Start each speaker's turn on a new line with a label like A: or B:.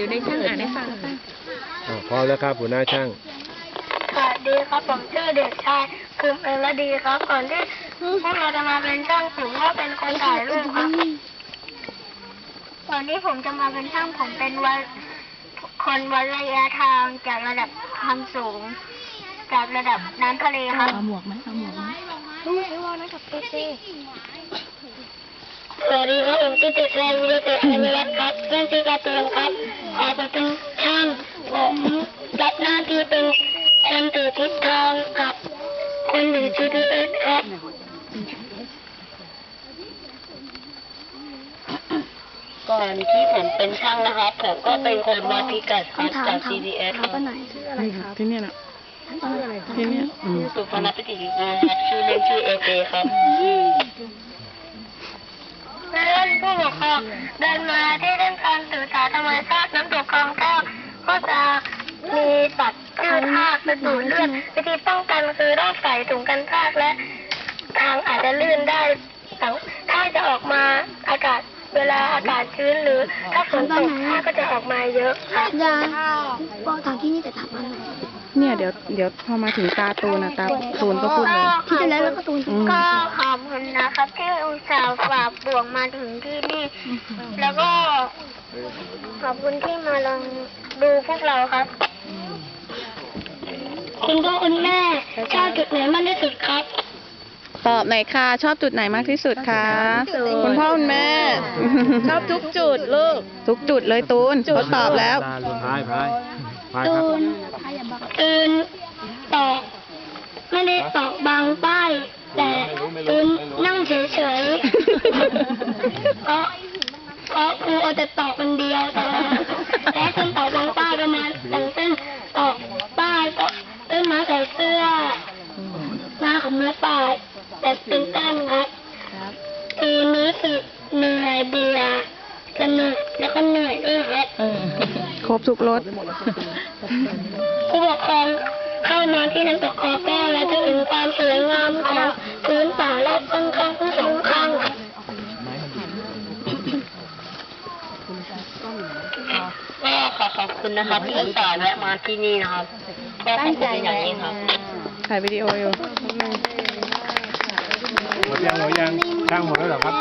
A: ดี๋ยวในช่างอ่านให้ฟังค่ะ
B: พร้อมแล้วครับหัวหน้าช่าง
C: สวัสดีครับผมชื่อเด็กชายภูมิเอรดีครับก่อนที่พวกเราจะมาเป็นช่างผมก็เป็นคนถ่ายรูปครับก่อนที่ผมจะมาเป็นช่างผมเป็นคนวัดระยะทางจากระดับความสูงจากระดับน้ำทะเลครับ
A: เอาหมวกไหมเอาหมวกไหม
C: สวัสดีครับผมชื่อเด็กชายวิรเดชอนุรัตน์ครับเป็นชื่อการ์ตูนครับผมเป็นช่างผมรับหน้าที่เป็นคนถือทิศทางกับคนถือ GPS ครับ ก่อนที่ผมเป็นช่างนะครับผมก็เป็นคนวัดพิกัดครับจาก GPS ครับ
A: ที่เนี่ยนะที่เนี่ย
C: สุพนัสปิติวิบูลย์ครับชื่อเล่นชื่อเอเจครับเพื่อนผู้ปกครองเดินมาที่เล่นการศึกษาธรรมชาติน้ำตกคลองแก้วก็จะมีสัตว์ชื่อทากเป็นดูดเลือดวิธีป้องกันคือต้องใส่ถุงกันทากและทางอาจจะลื่นได้ถ้าจะออกมาอากาศเวลาอากาศชื้นหรือถ้าฝนตกทากก็จะออกมาเยอะครับ
D: ยาบอกทางที่นี่แต่ถามมัน
A: เนี่ยเดี๋ยวพอมาถึงตาตูนนะตาตูนก็พูดเลย
D: ที่จะแล้วก็ตูน
C: ก็ขอบคุณนะครับที่อุตส่าห์ฝากบ่วงมาถึงที่นี่ แล้วก็ขอบคุณที่มาลองดูพวกเราครับ คุณพ่อคุณแม่ชอบจุดไหนมากที่สุดครับ
A: ตอบหน่อยค่ะชอบจุดไหนมากที่สุดคะคุณพ่อคุณแม่ ชอบทุกจุดลูกทุกจุดเลยตูนเขาตอบแล้ว
B: พายครับ
C: ตูนตอกไม่ได้ตอกบางป้าย แต่ตูนนั่งเฉยๆ เพราะครูเอาแต่ตอกคนเดียวแต่ตูนตอกบางป้ายประมาณอย่างเช่นตอกป้ายก็ต้นไม้ใส่เสื้อหน้าของเนื้อป่าแต่เป็นต้นครับตูนรู้สึกเหนื่อยเบื่อสนุกแล้วก็เหนื่อยด้วยครับ
A: ครบทุกรส
C: ผู้ปกครองเข้ามาที่น้ำตกคอแก้วและจะเห็นความสวยงามของพื้นป่ารอบข้างๆทั้งสองข้างก็ขอบคุณนะครับที่อุตส่าห์แวะมาที่นี่นะครับก็ขอบคุณอย่างยิ่งครับ
A: ถ่ายวิดีโออยู่
B: หมดยังช่างหมดแล้วเหรอครับ